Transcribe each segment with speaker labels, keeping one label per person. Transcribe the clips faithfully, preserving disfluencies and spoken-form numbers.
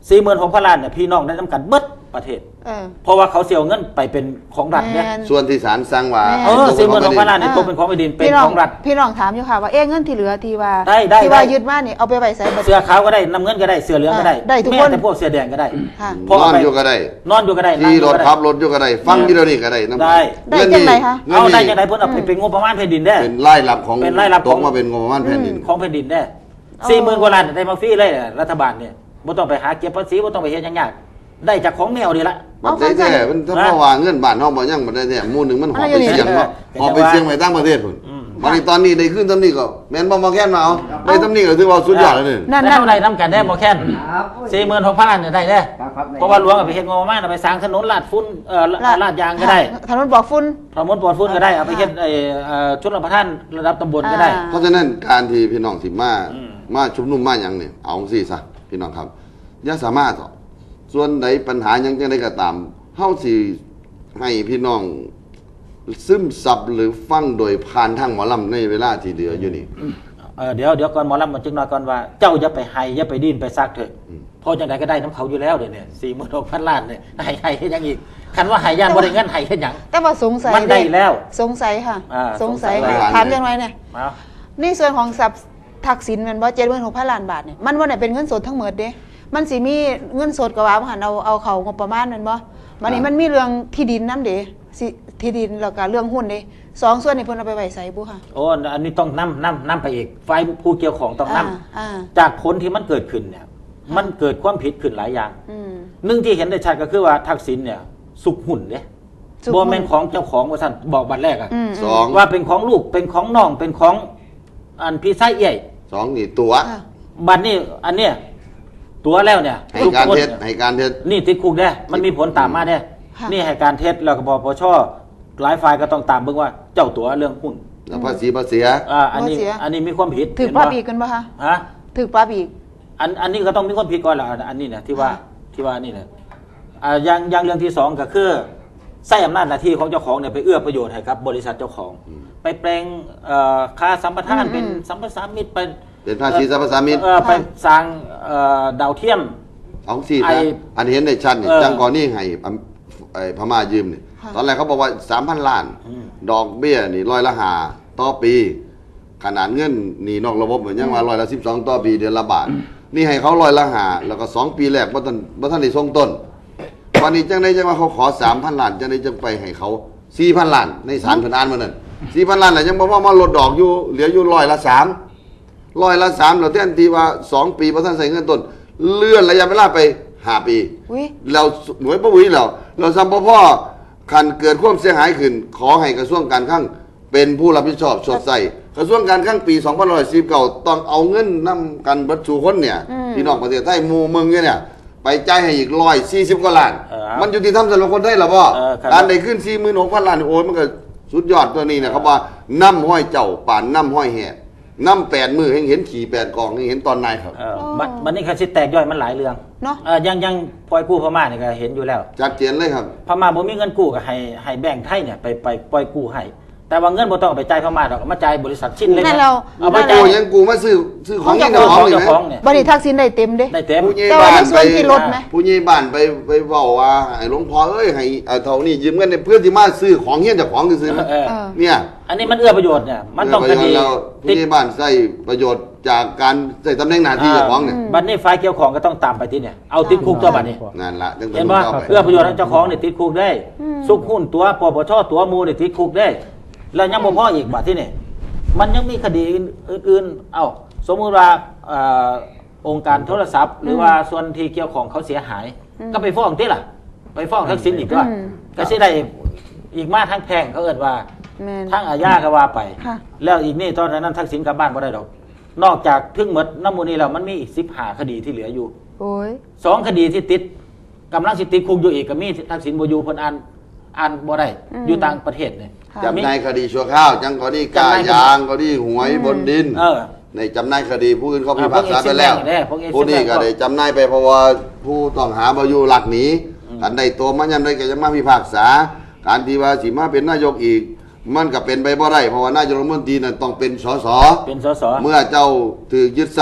Speaker 1: สี่หมื่นหกพันล้านเนี่ยพี่น้องได้น้ำกันเบิดประเทศเพราะว่าเขาเสียเงินไปเป็นของรัฐเนี่ย
Speaker 2: ส่วนที่ศาลสั่งว่า
Speaker 1: เออสี่หมื่นหกพันล้านเนี่ยตกเป็นของแผ่นดินเป็นของรัฐ
Speaker 3: พี่น้องถามอยู่ค่ะว่าเอ๊ะเงินที่เหลือที่ว่า
Speaker 1: ที่
Speaker 3: ว่ายึดมาเนี่ยเอาไปไว้ใส่
Speaker 1: เสื้อขาวก็ได้น้ำเงินก็ได้เสื้อเหลืองก็ได้
Speaker 3: ได้ทุกคน
Speaker 1: แต่พวกเสื้อแดงก็ได้
Speaker 2: นอนอยู่ก็ได้
Speaker 1: นอนอยู่ก็ได้
Speaker 2: ที่รถขับรถอยู่ก็ได้ฟังที่เรานี่ก็ได้
Speaker 1: ได้
Speaker 3: ได้ยังไงคะ
Speaker 1: เอาได้ยังไงเพิ่นเอาไปเป็นงบประมาณแผ่นดินได้
Speaker 2: เป็นรายรับของเป็นรายรับของมาเป็นงบประมาณแผ่นดิน
Speaker 1: ของแผ่นดินได้สี่หมื่นกว่าล้านได้มาฟรีเลยรัฐบาลเนี่ยไม่ต้องไปหาเก็บภาษีไม่ต้องไปเฮ็ดยากๆได้จากของแมวนี่ละ
Speaker 2: มันได้แท้มันถ้าเพราะว่าเงินบาทเฮาบ่ยังบ่ได้แท้หมู่นึงมันหอบไปเสี่ยงเนาะหอบไปเสี่ยงไปต่างประเทศพุ่นมาในตอนนี้ได้ขึ้นตำนี้ก็แม่นบ่มาแค่นมาเอาได้ตำนี้ก็ถือว่าสุดยอดแล้วนี่
Speaker 1: นั่นเท่าไรทำกันได้บ่แค่น สี่หมื่นหกพัน ล้านเนี่ยได้เด้เพราะว่าหลวงเอาไปเฮ็ดงบประมาณเอาไปสร้างถนนลาดฝุ่นเอ่อลาดยางก็ได้
Speaker 3: ถนนปลอดฝุ่น
Speaker 1: ถนนปลอดฝุ่นก็ได้เอาไปเฮ็ดไอ้เอ่อชลประทานระดับตำบลก็ได้
Speaker 2: เพราะฉะนั้นการที่พี่น้องสิมามาชุมนุมมาหยังนี่เอาจังซี่ซะพี่น้องครับอย่าสามารถส่วนใดปัญหายังจังได๋ก็ตามเฮาสิให้พี่น้องซึมซับหรือฟังโดยผ่านทางหมอลำในเวลาที่เหลืออยู่นี่
Speaker 1: เออเดี๋ยวเดี๋ยวก่อนหมอลำมันจึงน้อยก่อนว่าเจ้าอย่าไปไห้อย่าไปดิ้นไปซักเถอะพอจังไดก็ได้น้ำเขาอยู่แล้วเดี๋ยวนี้ สี่หมื่นหกพัน ล้านเนี่ยไห้ไห้เฮ็ดหยังอีกคันว่าไห้ย่านบ่ได้เงินไห้เฮ็ดหยัง
Speaker 3: แต่ว่าสงสัย
Speaker 1: มันได้แล้ว
Speaker 3: สงสัยค่ะสงสัยถามจังได๋เนี่ยในส่วนของทรัพย์ทักษิณแม่นบ่ เจ็ดหมื่นหกพัน ล้านบาทเนี่ยมันบ่ได้เป็นเงินสดทั้งหมดเด้มันสิมีเงินสดก็ว่าบ่หันเอาเอาเข้างบประมาณแม่นบ่บัดนี้มันมีเรื่องที่ดินนำเด้ที่ดินแล้วก็เรื่องหุ้นเด้สองส่วนนี่เพิ่นเอาไปไว้ไสบุค่ะ
Speaker 1: โอ้อันนี้ต้องนำนำนำไปอีกฝ่ายผู้เกี่ยวของต้องนำจากผลที่มันเกิดขึ้นเนี่ยมันเกิดความผิดขึ้นหลายอย่างหนึ่งที่เห็นได้ชัดก็คือว่าทักษิณเนี่ยสุกหุ้นเด้บ่แม่นของเจ้าของว่าซั่นบอกบัดแรกอ่ะสองว่าเป็นของลูกเป็นของน้องเป็นของอันพี่ชายเอี่ย
Speaker 2: สองนี่ตัว
Speaker 1: บัดนี้อันเนี้ยตัวแล้วเนี่ย
Speaker 2: ให้การเท็จให้การเท็จ
Speaker 1: นี่ติดคุกได้มันมีผลตามมาได้นี่ให้การเท็จแล้วก็ปปชหลายฝ่ายก็ต้องตามเบิ่งว่าเจ้าตัวเรื่องหุ้น
Speaker 2: แล้วภาษีภาษี
Speaker 1: อ่าอันนี้อันนี้มีความผิด
Speaker 3: ถูกปรับอีกกันป่ะคะ
Speaker 1: ฮะ
Speaker 3: ถูกปรับอีก
Speaker 1: อันอันนี้ก็ต้องมีความผิดก่อนล่ะอันนี้นะที่ว่าที่ว่านี่นะอ่าอย่างอย่างเรื่องที่สองก็คือใช้อำนาจหน้าที่ของเจ้าของเนี่ยไปเอื้อประโยชน์ให้กับบริษัทเจ้าของไปแปลงค่าสัมปทานเป็นสัมปทานมิตรเป็น
Speaker 2: เป็นภาษีสัมปทานมิตร
Speaker 1: ไปสร้างดาวเทียม
Speaker 2: เอาสิอันเห็นในชั้นนี่จังก่อนนี่ให้ไอ้พม่ายืมเนี่ยตอนแรกเขาบอกว่า สามพัน ล้านดอกเบี้ยนี่ร้อยละห้าต่อปีขนาดเงินนี่นอกระบบเหมือนยังว่าร้อยละสิบสองต่อปีเดือนละบาทนี่ให้เขาร้อยละห้าแล้วก็สองปีแรกบ่ทันบ่ทันได้ส่งต้นวันนี้จังได๋จังว่าเขาขอ สามพัน ล้านจังได๋จังไปให้เขา สี่พัน ล้านในศาลเพิ่นอ่านมื้อนั้น สี่พัน ล้านแล้วยังบ่ว่ามาลดดอกอยู่เหลืออยู่ร้อยละสามร้อยละสามแล้วแทนที่ว่าสองปีบ่ทันใส่เงินต้นเลื่อนระยะเวลาไปห้าปีแล้วหน่วยบ่วิแล้วเราซ้ำบ่พอคันเกิดความเสียหายขึ้นขอให้กระทรวงการคลังเป็นผู้รับผิดชอบชดใช้กระทรวงการคลังปีสองพันห้าร้อยสี่สิบเก้าต้องเอาเงินนำกันเบิดสู่คนเนี่ยพี่น้องประเทศไทยหมู่เมืองเนี่ยไปจ่ายให้อีกหนึ่งร้อยสี่สิบกว่าล้านมันยุติธรรมสำหรับคนไทยล่ะบ่การได้ขึ้น สี่หมื่นหกพัน ล้านโอ้ยมันก็สุดยอดตัวนี้เนี่ยเขาว่าน้ำห้อยเจ้าป่านน้ำห้อยแห่น้ำแปดมือเห็นขี่แปดกองเห็นตอนนายครับ
Speaker 1: มันนี่คือสิแตกย่อยมันหลายเรื่องเนาะยังยังปล่อยกู้พม่าเนี่ยก็เห็นอยู่แล้ว
Speaker 2: ชัดเจนเลยครับ
Speaker 1: พม่าบ่มีเงินกู้ก็ให้ให้แบงค์ไทยเนี่ยไปไปปล่อยกู้ให้แต่ว่าเงินบ่ต้องเอาไปจ่ายพม่าดอกมาจ่ายบริษัทชิ้นเล็ก
Speaker 2: เอาไปจ่ายยังกู้มาซื้อซื้อของนี่ของนี่มั้ย
Speaker 3: บ่ได้ทักษิณได้เต็มเด้
Speaker 1: ได้เต็ม
Speaker 3: แต่ว่าในส่วนที่ลดมั้ย
Speaker 2: ผู้ใหญ่บ้านไปไปเว้าว่าให้หลวงพ่อเอ้ยให้เท่านี้ยืมเงินเพื่อที่มาซื้อของเฮียนเจ้าของซื้อเนี่ย
Speaker 1: อันนี้มันเอื้อประโยชน์เนี่ยมันต้องคดี
Speaker 2: ผู้ใหญ่บ้านใช้ประโยชน์จากการใช้ตำแหน่งหน้าที่เจ้าของเนี่ย
Speaker 1: บัดนี้ฝ่ายเกี่ยวข้องก็ต้องตามไปที่เนี่ยเอาติดคุกตัวบัดนี้
Speaker 2: นั่นล่ะ
Speaker 1: เห็นบ่เอื้อประโยชน์ให้เจ้าของเนี่ยติดคุกได้ซุกหุ้นตัวปปชตัวมูเนี่ยติดคุกได้แล้วยังบ่พออีกบัดที่นี่มันยังมีคดีอื่นๆเอ้าสมมุติว่าองค์การโทรศัพท์หรือว่าส่วนที่เกี่ยวของเขาเสียหายก็ไปฟ้องติล่ะไปฟ้องทักษิณอีกด้วยก็สิได้อีกมาทั้งแพ่งเขาเอิ้นว่าทั้งอาญาก็ว่าไปแล้วอีกนี่ตอนนั้นทักษิณกลับบ้านบ่ได้ดอกนอกจากถึงหมดน้ำมูลนี้แล้วมันมีอีกสิบห้าคดีที่เหลืออยู่โอ้ยสองคดีที่ติดกำลังสิติดคุกอยู่อีกก็มีทักษิณบ่อยู่เพิ่นอ่านอ่านบ่ได้อยู่ต่างประเทศนี่
Speaker 2: จำนายคดีชั่วข้าวจังก็ดีกายางก็ดีหวยบนดินในจำนายคดีผู้อื่นเขาพิพากษาไปแล้วผู้นี้ก็ได้จำนายไปเพราะว่าผู้ต้องหาบ่อยู่หลักหนีอันใดตัวมันยังได้ก็จะมาพิพากษาการที่ว่าสิมาเป็นนายกอีกมันก็เป็นไปบ่ได้เพราะว่านายกรัฐมนตรีนั้นต้องเป็นสส
Speaker 1: เป็นสส
Speaker 2: เมื่อเจ้าถือยึดทรัพย์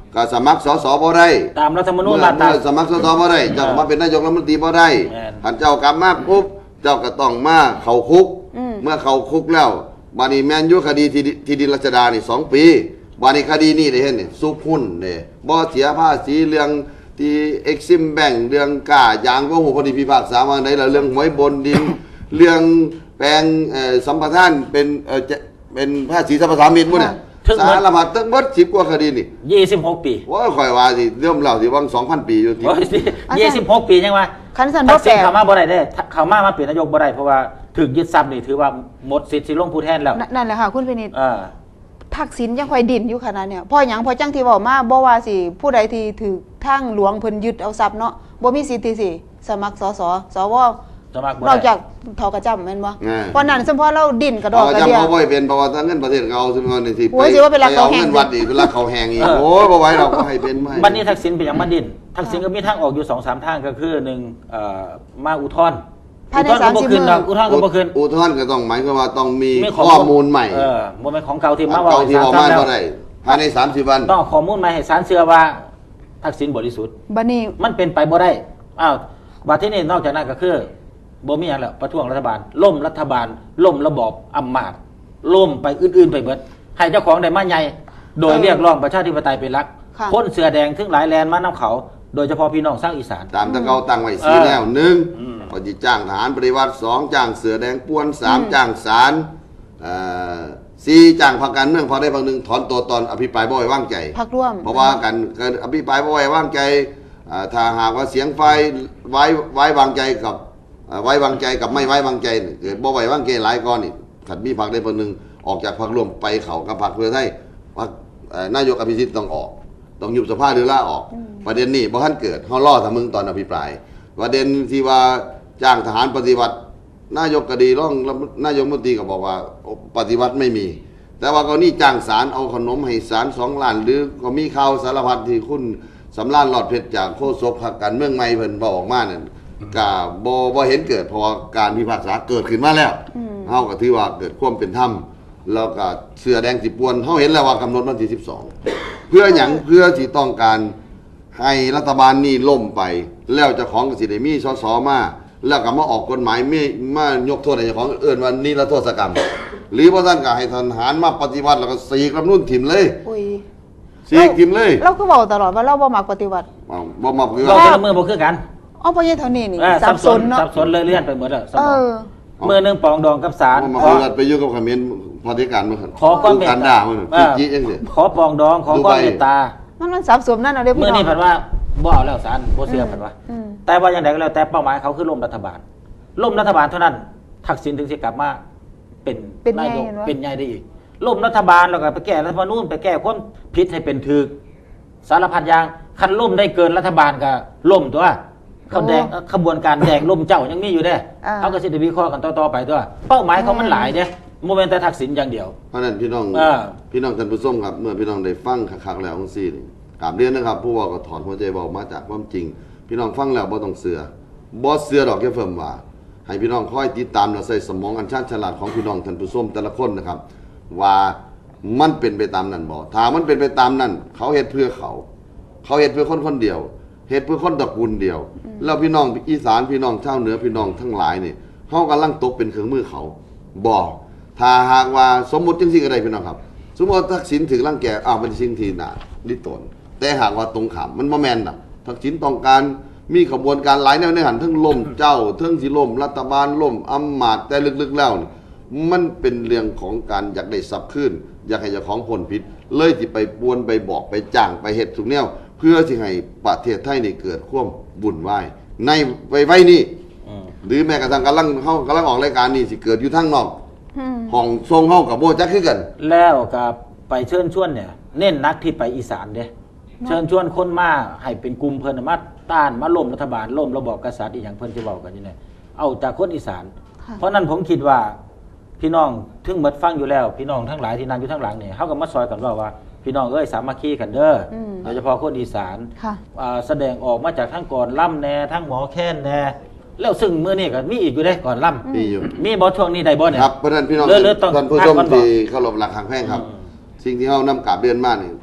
Speaker 2: ก็สมัครสสบ่ได้
Speaker 1: ตามรัฐธรรมนูญ
Speaker 2: เมื่อ
Speaker 1: มาตรา
Speaker 2: เมื่อสมัครสสบ่ได้เจ้าก็มาเป็นนายกรัฐมนตรีบ่ได้
Speaker 1: แม่น
Speaker 2: หันเจ้ากลับมาปุ๊บเจ้าก็ต้องมาเข้าคุก
Speaker 3: อืม
Speaker 2: เมื่อเข้าคุกแล้วบานี้แม่นอยู่คดีที่ที่ดินรัชดานี่สองปีบานี้คดีนี้ได้เห็นนี่ซุกหุ้นนี่บ่เสียภาษีเรื่องที่เอ็กซิมแบงเรื่องกล้ายางบ่ฮู้พอดีพิพากษาว่าไดแล้วเรื่องหวยบนดิน เรื่องแปลงเอ่อสัมปทานเป็นเอ่อจะเป็นภาษีสรรพสามิตหมู่เนี่ย
Speaker 1: ถึงหมด
Speaker 2: สารพัดทั้งหมดสิบกว่าคดีนี่
Speaker 1: ยี่สิบหกปี
Speaker 2: ว่าข่อยว่าสิเริ่มเล่าสิว่าสองพันปีอยู่ที่
Speaker 1: โอ้ยยี่สิบหกปียังว่า
Speaker 3: คันสัน
Speaker 1: ทั
Speaker 3: บ่
Speaker 1: ก
Speaker 3: แป
Speaker 1: ษิ
Speaker 3: ล
Speaker 1: ณ
Speaker 3: ก
Speaker 1: เข้ามาบ่ได้เด้เข้ามามาเปลี่ยนนายกบ่ได้เพราะว่าถึงยึดทรัพย์นี่ถือว่าหมดสิทธิ์สิลงผู้แทนแล้ว
Speaker 3: นั่นนั่นแหละค่ะคุณพินิจ
Speaker 1: อ่า
Speaker 3: ทักษิณยังค่อยดิ่นอยู่ขนาดเนี่ยพ่อหยังพ่อจังที่บอกมาบ่ว่าสิผู้ใดที่ถือทางหลวงเพิ่นยึดเอาทรัพย์เนาะบ่มีสิทธิ์ที่สิสมัครสสสว
Speaker 1: สมัครบ่
Speaker 3: นอก
Speaker 1: ได้
Speaker 3: จากทอกระจ้ำแม่นบ่
Speaker 2: อ่า
Speaker 3: เพราะนั้นสมพอเราดิ่นกระดอก
Speaker 2: เอา
Speaker 3: กระ
Speaker 2: จำ
Speaker 3: เดีย
Speaker 2: เขาบ่ให้เป็นเพราะว่าถ้าเงินประเทศเขาซึ่งเงินนี่สิ
Speaker 3: โอ้ยสิว่าเป็นรักเขาแหง
Speaker 2: เงินวัดอีกเป็นรักเขาแหงอีกโอ้ยบ่ไหวดอกบ่ให้เป็นบ่ให้
Speaker 1: บัดนี้ทักษิณเป็นอย่างมาดินทักษิณก็มีทางออกอยู่ สองสาม ทางก็คือหนึ่งเอ่อมาอุทธรณ์
Speaker 3: ภายใน
Speaker 1: อุทธรณ์ก็บ่
Speaker 3: สามสิบ
Speaker 1: ขึ้นดอก
Speaker 3: มื้อ
Speaker 1: อุทธรณ์ก็บ่ขึ้น
Speaker 2: อุทธรณ์ก็ต้องหมายความว่าต้องมี
Speaker 1: มี
Speaker 2: ข้อมูลใหม่
Speaker 1: เออบ่แม่นของเก่าที่
Speaker 2: อั
Speaker 1: มาน เว้า
Speaker 2: เก่าที่
Speaker 1: ให้
Speaker 2: บอก
Speaker 1: ศา
Speaker 2: มา
Speaker 1: ลฟัง
Speaker 2: บ่
Speaker 1: แล้ว
Speaker 2: ได้ภายในสามสิบวัน
Speaker 1: ต้องเอาข้อมูลมาให้ศาลเชื่อว่าทักษิณบริสุทธิ์
Speaker 3: บัดนี้
Speaker 1: มันเป็นไปบ่ได้อ้าวบัดที่นี่นอกจากนั้นก็คือบ่มีหยังแล้วประท้วงรัฐบาลล่มรัฐบาลล่มระบอบอำมาตย์ล่มไปอื่นๆไปเบิดให้เจ้าของได้มาใหญ่โดย
Speaker 3: เออ
Speaker 1: เรียกร้องประชาธิปไตยเป็นหลัก
Speaker 3: ค่ะ
Speaker 1: คนเสือแดงถึงหลายแลนมานํเขา โดยเฉพาะพี่น้องชาวอีสาน
Speaker 2: ตามตะเกาตั้งไว้สี่
Speaker 1: เออ
Speaker 2: แนวหนึ่ง
Speaker 1: อืม
Speaker 2: ปฏิจ้างทหารปฏิวัติสองจ้างเสือแดงป้วนสามจ้างศาลเอ่อสี่จ้างพรรคการเมืองพอได้พรรคหนึ่งถอนตัวตอนอภิปรายบ่ไว้วางใจ
Speaker 3: พักร่วม
Speaker 2: เพราะว่าการการอภิปรายบ่ไว้วางใจอ่าถ้าหากว่าเสียงไฟไว้ไว้วางใจกับอ่าไว้วางใจกับไม่ไว้วางใจเนี่ยเกิดบ่ไว้วางใจหลายก้อนนี่ขัดมีพรรคได้พรรคหนึ่งออกจากพรรคร่วมไปเขากับพรรคเพื่อไทยพรรคเอ่อนายกอภิสิทธิ์ต้องออก ต้องยุบสภาหรือลาออก ประเด็นนี้บ่ทันเกิดเฮาล่อทำมึงตอนอภิปราย ประเด็นที่ว่าจ้างทหารปฏิวัติ นายกก็ดีร้องนายกรัฐมนตรีก็บอกว่าปฏิวัติไม่มี แต่ว่าก็นี่จ้างสารเอาขนมให้สารสองล้าน หรือก็มีข่าวสารพัดที่คุณสำรานหลอดเพชรจากโฆษกพรรคการเมืองใหม่เพิ่นบอกออกมานั่นก็บ่บ่เห็นเกิดเพราะว่าการพิพากษาเกิดขึ้นมาแล้วเฮาก็ถือว่าเกิดความเป็นธรรมแล้วก็เสื้อแดงสิปวนเฮาเห็นแล้วว่ากำหนดวันที่สิบสองเพื่อหยังเพื่อที่ต้องการให้รัฐบาลนี่ล่มไป แล้วเจ้าของก็สิได้มีสสมาแล้วก็มาออกกฎหมายมีมายกโทษให้เจ้าของเอิ้นว่านิรโทษกรรม หรือพระท่านก็ให้ทหารมาปฏิวัติแล้วก็สีกรัฐธรรมนูญถิ่มเลย
Speaker 3: อุ้ย
Speaker 2: สีกถิ่มเลย
Speaker 3: เราก็บอกตลอดว่าเราบ่มักปฏิวัติ
Speaker 2: อ้าวบ่มาคือ
Speaker 1: เรา
Speaker 2: ว่า
Speaker 1: แต่ละมือบ่คือกัน
Speaker 3: อ๋อพ่อใหญ่เท่านี้นี่
Speaker 1: เออ
Speaker 3: สับสนเนาะ
Speaker 1: สับสนเลยเลื่อนไปหมดแล้วสม
Speaker 3: เอ
Speaker 1: อง
Speaker 3: อ
Speaker 1: มือหนึงปองดองกับศาล
Speaker 2: บ่มา
Speaker 1: ขอ
Speaker 2: คือไปอยู่กับเขมรพอธิการมา
Speaker 1: ขอความเมต
Speaker 2: การ
Speaker 1: ตา
Speaker 2: ด่ามัน
Speaker 1: เอ
Speaker 2: จิ
Speaker 1: อ
Speaker 2: จิจังซี่
Speaker 1: ขอปองดองขอความเมตตา
Speaker 3: มันมันสับสนนั่นเอาเด้อ
Speaker 1: เมื่
Speaker 3: พี่
Speaker 1: อ
Speaker 3: น้อง
Speaker 1: นี้ผันว่าบ่เอาแล้วศาลบ่เชื่อผันว่า
Speaker 3: อืม
Speaker 1: แต่ว่าอย่างไรก็แล้วแต่เป้าหมายเขาคือล่มรัฐบาลล่มรัฐบาลเท่านั้น ทักษิณถึงสิกลับมาเป็น
Speaker 3: เป็น
Speaker 1: นา
Speaker 3: ไง
Speaker 1: ยก
Speaker 3: เห็นวะ
Speaker 1: เป็นไงได้อีกล่มรัฐบาลแล้วก็ไปแก้รัฐธรรมนูญไปแก้ความผิดให้เป็นถูกสารพัดอย่างคันล่มได้เกินรัฐบาลก็ล่มตัวเขาแดงขบวนการแดงล่มเจ้ายังมีอยู่เด้
Speaker 3: อ่า
Speaker 1: เขาก็สิได้วิเคราะห์กันต่อๆไปตัวเป้าหมายเขามันหลายเด้โมเมนต์แต่ทักษิณอย่างเดียว
Speaker 2: เพราะฉะนั้นพี่น้อง
Speaker 1: อ่า
Speaker 2: พี่น้องท่านผู้ชมครับเมื่อพี่น้องได้ฟังคักๆแล้วจังซี่นี่กราบเรียนนะครับ ผู้ว่าก็ถอนหัวใจบอกมาจากความจริง พี่น้องฟังแล้วบ่ต้องเสือบ่เสือดอกแค่เฟิ่มว่า ให้พี่น้องคอยติดตามและใส่สมองอันชาญฉลาดของพี่น้องท่านผู้ชมแต่ละคนนะครับ ว่ามันเป็นไปตามนั้นบ่ถ้ามันเป็นไปตามนั้น เขาเฮ็ดเพื่อเขา เขาเฮ็ดเพื่อคนคนเดียวเฮ็ดเพื่อคนตระกูลเดียว แล้วพี่น้องอีสานพี่น้องชาวเหนือพี่น้องทั้งหลายนี่เฮากำลังตกเป็นเครื่องมือเขาบ่ถ้าหากว่าสมมุติจังซี่ก็ได้พี่น้องครับ สมมุติว่าทักษิณถึงรังแกอ้าวเป็นสิ่งที่น่าลิตนแต่หากว่าตรงข้ามมันบ่แม่นน่ะทักษิณต้องการมีขบวนการหลายแนวในหันทั้งล่มเจ้าทั้งสิล่มรัฐบาลล่มอำมาตย์แต่ลึกๆแล้วนี่มันเป็นเรื่องของการอยากได้ทรัพย์ขึ้น อยากให้เจ้าของพ้นผิด เลยที่ไปปวนไปบอกไปจ้างไปเฮ็ดทุกแนว เพื่อที่ให้ประเทศไทยนี่เกิดความวุ่นวายในไว้ไว้นี่
Speaker 1: อืม
Speaker 2: หรือแม้กระทั่งกำลังเฮากำลังออกรายการนี่สิเกิดอยู่ทางนอก
Speaker 3: อืม
Speaker 2: ห้องทรงเฮากับโบจักคือกัน
Speaker 1: แล้วกับไปเชิญชวนเนี่ย เน้นนักที่ไปอีสานเด้เชิญชวนคนมาให้เป็นกลุ่มเพิ่นน่ะมาต้านมาล้มรัฐบาลล้มระบอบกษัตริย์อีกอย่างเพิ่นสิเว้ากันอยู่เนี่ยเอาจากคนอีสาน
Speaker 3: ค่ะ
Speaker 1: เพราะนั้นผมคิดว่าพี่น้องถึงหมดฟังอยู่แล้ว พี่น้องทั้งหลายที่นั่งอยู่ทั้งหลังเนี่ยเฮาก็มาซอยกันว่าว่าพี่น้องเอ้ยสามัคคีกันเด้ออ
Speaker 3: ม
Speaker 1: โดยเฉพาะคนอีสาน
Speaker 3: ค่ะ
Speaker 1: อ่าแสดงออกมาจากทั้งก่อนล่ำแน่ทั้งหมอแค้นแน่แล้วซึ่งมื้อนี้ก็มีอีกอยู่เด้ก่อนล่ำ
Speaker 2: มีอยู่
Speaker 1: มีบ่ช่วงนี้ได้บ่เนี่ย
Speaker 2: ครับเพราะฉะนั้นพี่น้อง
Speaker 1: เลิศเลิศต้อง
Speaker 2: ท่านผู้ชม
Speaker 1: พักก่อนบอก
Speaker 2: ที่เคารพหลักทางแพ่งครับ สิ่งที่เฮานำกราบเรียนมานี่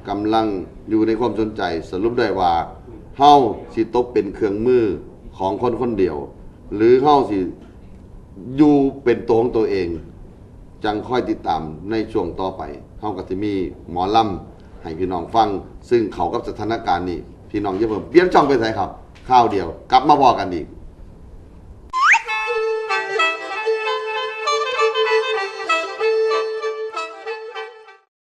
Speaker 2: กำลังอยู่ในความสนใจสรุปได้ว่าเฮาสิตกเป็นเครื่องมือของคนคนเดียว หรือเฮาสิอยู่เป็นตัวของตัวเอง จังค่อยติดตามในช่วงต่อไปเฮาก็สิมีหมอลำให้พี่น้องฟังซึ่งเขากับสถานการณ์นี้พี่น้องอย่าเพิ่มเปลี่ยนช่องไปไสครับข้าวเดียวกลับมาพอกันอีก